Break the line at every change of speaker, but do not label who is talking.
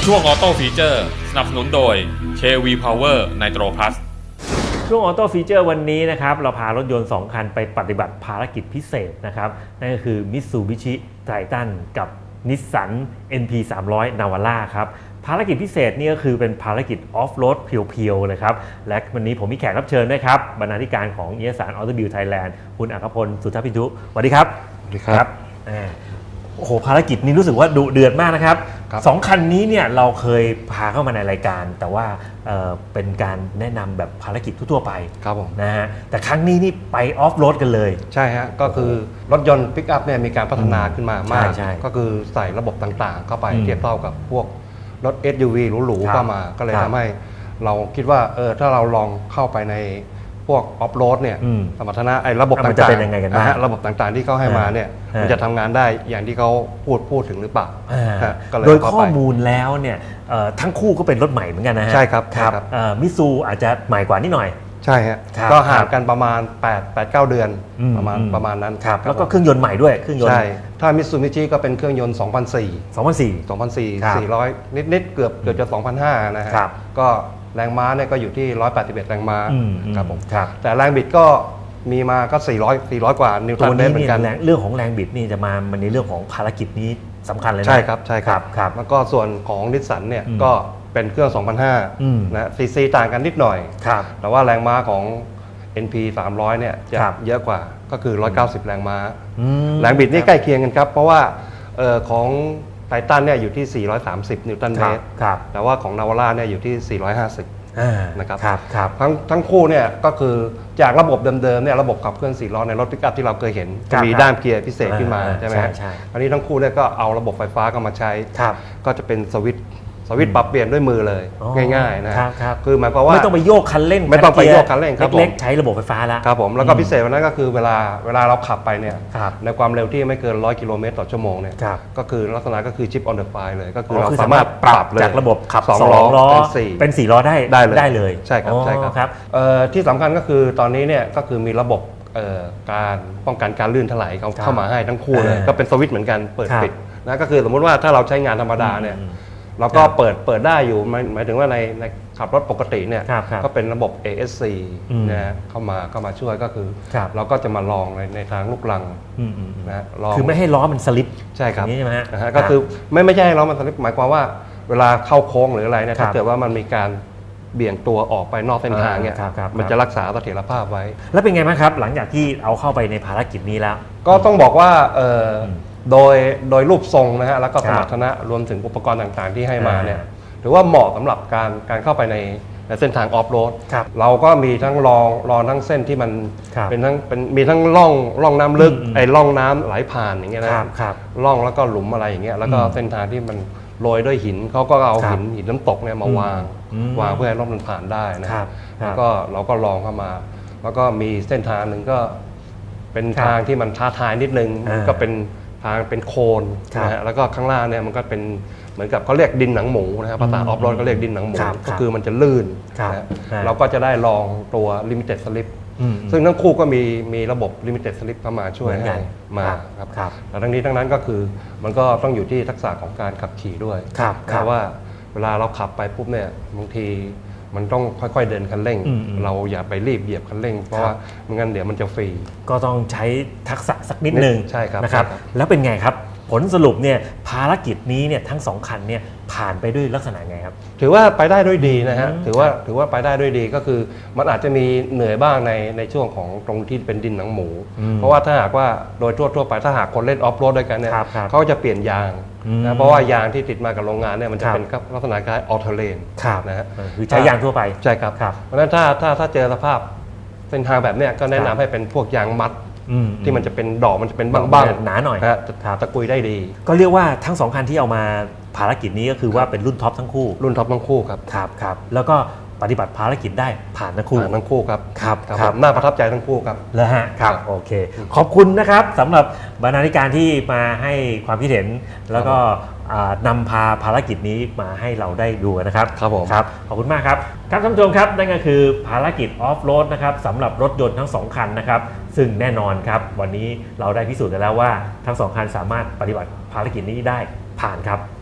ช่วงออโต้ฟีเจอร์สนับสนุนโดย KV Power Nitro Plus
ช่วงออโต้ฟีเจอร์วันนี้นะครับเราพารถยนต์2คันไปปฏิบัติภารกิจพิเศษนะครับนั่นก็คือ Mitsubishi Triton กับ Nissan NP 300 Navara ครับภารกิจพิเศษนี่ก็คือเป็นภารกิจออฟโรดเพียวๆเลยครับและวันนี้ผมมีแขกรับเชิญด้วยครับบรรณาธิการของนิตยสาร Automobile Thailand คุณอัครพล สุทธพินทุสวัสดีครับ
สวัสดีครับ
โอ้โหภารกิจนี้รู้สึกว่าดุเดือดมากนะครับสองคันนี้เนี่ยเราเคยพาเข้ามาในรายการแต่ว่าเป็นการแนะนำแบบภารกิจทั่วๆไป
ครับผม
นะฮะแต่ครั้งนี้นี่ไปออฟโรดกันเลย
ใช่ฮะก็คือรถยนต์ปิกอัพเนี่ยมีการพัฒนาขึ้นมามาก
ใช่
ก็คือใส่ระบบต่างๆ เข้าไปเทียบเท่ากับพวกรถ SUV หรูๆเข้ามาก็เลยทำให้เราคิดว่าถ้าเราลองเข้าไปในพวกออฟโรดเนี่ยสมรรถนะไอ้ระบบต่างๆระบบต่างๆที่เขาให้มาเนี่ยมันจะทำงานได้อย่างที่เขาพูดถึงหรือเปล่า
โดยข้อมูลแล้วเนี่ยทั้งคู่ก็เป็นรถใหม่เหมือนกันนะฮะ
ใช่ครับ
มิซูอาจจะใหม่กว่านิดหน่อย
ใช่ฮะก็ห่างกันประมาณ 8-9 เดือนประมาณนั้น
แล้วก็เครื่องยนต์ใหม่ด้วยเครื่องยนต์
ใช่ถ้ามิตซูบิชิก็เป็นเครื่องยนต์ 2004 400 นิดๆเกือบจะ 2,500 นะฮะก็แรงม้าเนี่ยก็อยู่ที่ 181 แรงม้าครับผมแต่แรงบิดก็มีมาก็ 400 กว่านิวตันเมตรเหมือนกัน
เรื่องของแรงบิดนี่จะมาในเรื่องของภารกิจนี้สำคัญเลยนะ
ใช่ครับแล้วก็ส่วนของนิสสันเนี่ยก็เป็นเครื่อง 2,500 นะซีซีต่างกันนิดหน่อยแต่ว่าแรงม้าของ NP 300 เนี่ยจะเยอะกว่าก็คือ 190 แรงม้าแรงบิดนี่ใกล้เคียงกันครับเพราะว่าของไททันเนี่ยอยู่ที่ 430 นิวตันเมตรแต่ว่าของนาวาร่าเนี่ยอยู่ที่ 450 นะครับทั้งคู่เนี่ยก็คือจากระบบเดิมๆเนี่ยระบบขับเคลื่อน4 ล้อในรถปิกอัพที่เราเคยเห็นจะมีด้ามเกียร์พิเศษขึ้นมาใช่ไหมอันนี้ทั้งคู่เนี่ยก็เอาระบบไฟฟ้าก็มาใช้ก็จะเป็นสวิตช์ปรับเปลี่ยนด้วยมือเลยง่ายๆนะคือหมายความว่า
ไม่ต้องไปโยกคันเร่งเล็กๆใช้ระบบไฟฟ้าแล้ว
ครับผมแล้วก็พิเศษวันนั้นก็คือเวลาเราขับไปเนี่ยในความเร็วที่ไม่เกิน100 กิโลเมตรต่อชั่วโมงเนี่ยก็คือลักษณะก็คือชิปออนเดอะไฟเลยก็คือเราสามารถปรับเลย
จากระบบขับ2 ล้อเป็น4 ล้อได้เลย
ใช่ครับที่สำคัญก็คือตอนนี้เนี่ยก็คือมีระบบการป้องกันการลื่นถลายเข้ามาให้ทั้งคู่เลยก็เป็นสวิตช์เหมือนกันเปิดปิดนะก็คือสมมติว่าถ้าเราใช้งานธรรมดาเนี่ยเราก็เปิดได้อยู่หมายถึงว่าในขับรถปกติเนี่ยก็เป็นระบบ ASC นะเข้ามาช่วยก็คือเราก็จะมาลองในทางลูกลัง
นะคือไม่ให้ล้อมันสลิป
ใช่ครับ
ใช่ไหมฮะ
ก็คือไม่ใช่ให้ล้อมันสลิปหมายความว่าเวลาเข้าโค้งหรืออะไรเนี่ยถ้าเกิดว่ามันมีการเบี่ยงตัวออกไปนอกเส้นทางเนี่ยมันจะรักษาเสถียรภาพไว้
แล้วเป็นไงบ้างครับหลังจากที่เอาเข้าไปในภารกิจนี้แล้ว
ก็ต้องบอกว่าโดยรูปทรงนะฮะแล้วก็สมรรถนะรวมถึงอุปกรณ์ต่างๆที่ให้มาเนี่ยถือว่าเหมาะสำหรับการเข้าไปในเส้นทางออฟโรดเราก็มีทั้งรองทั้งเส้นที่มันมีทั้งร่องน้ำลึกไอ้ร่องน้ำไหลผ่านอย่างเงี้ยนะร่องแล้วก็หลุมอะไรอย่างเงี้ยแล้วก็เส้นทางที่มันโรยด้วยหินเขาก็เอาหินน้ำตกเนี่ยมาวางเพื่อให้รถมันผ่านได้นะแล้วก็เราก็ลองเข้ามาแล้วก็มีเส้นทางหนึ่งก็เป็นทางที่มันท้าทายนิดนึงก็เป็นทางเป็นโคลนนะฮะแล้วก็ข้างล่างเนี่ยมันก็เป็นเหมือนกับเขาเรียกดินหนังหมูนะครับภาษาออฟโรดก็เรียกดินหนังหมูก็คือมันจะลื่นนะเราก็จะได้ลองตัว Limited Slip ซึ่งทั้งคู่ก็มีระบบ Limited Slip เข้ามาช่วยให้มาครับแต่ทั้งนี้ทั้งนั้นก็คือมันก็ต้องอยู่ที่ทักษะของการขับขี่ด้วยเพราะว่าเวลาเราขับไปปุ๊บเนี่ยบางทีมันต้องค่อยๆเดินคันเร่งเราอย่าไปรีบเหยียบคันเร่งเพราะว่าไม่งั้นเดี๋ยวมันจะฟรี
ก็ต้องใช้ทักษะสักนิดนึง
ใช่ครับ
นะครับแล้วเป็นไงครับผลสรุปเนี่ยภารกิจนี้เนี่ยทั้ง2คันเนี่ยผ่านไปด้วยลักษณะไงครับ
ถือว่าไปได้ด้วยดีนะฮะถือว่าไปได้ด้วยดีก็คือมันอาจจะมีเหนื่อยบ้างในช่วงของตรงที่เป็นดินหนังหมูเพราะว่าถ้าหากว่าโดยทั่วไปถ้าหากคนเล่นออฟโรดด้วยกันเนี่ยเขาจะเปลี่ยนยางนะเพราะว่ายางที่ติดมากับโรงงานเนี่ยมันจะเป็นลักษณะคล้ายออเทอร์เลนนะฮะ
คือใช้ยางทั่วไป
ใช่ครับเพราะฉะนั้นถ้าเจอสภาพเส้นทางแบบเนี้ยก็แนะนำให้เป็นพวกยางมัดที่มันจะเป็นดอกมันจะเป็นบ้าง
ๆหนาหน่อย
ตะกุยได้ดี
ก็เรียกว่าทั้ง2คันที่เอามาภารกิจนี้ก็คือว่าเป็นรุ่นท็อปทั้งคู่ครับแล้วก็ปฏิบัติภารกิจได้ผ่านทั้งคู่
ครับน่าประทับใจทั้งคู่ครับ
แล้วฮะครับโอเคขอบคุณนะครับสำหรับบรรณาธิการที่มาให้ความคิดเห็นแล้วก็นำพาภารกิจนี้มาให้เราได้ดูนะครับ
ครับผม
ครับขอบคุณมากครับท่านผู้ชมครับนั่นก็คือภารกิจออฟโรดนะครับสำหรับรถยนต์ทั้ง2คันนะครับซึ่งแน่นอนครับวันนี้เราได้พิสูจน์กันแล้วว่าทั้ง2คันสามารถปฏิบัติภารกิจนี้ได้ผ่านครับ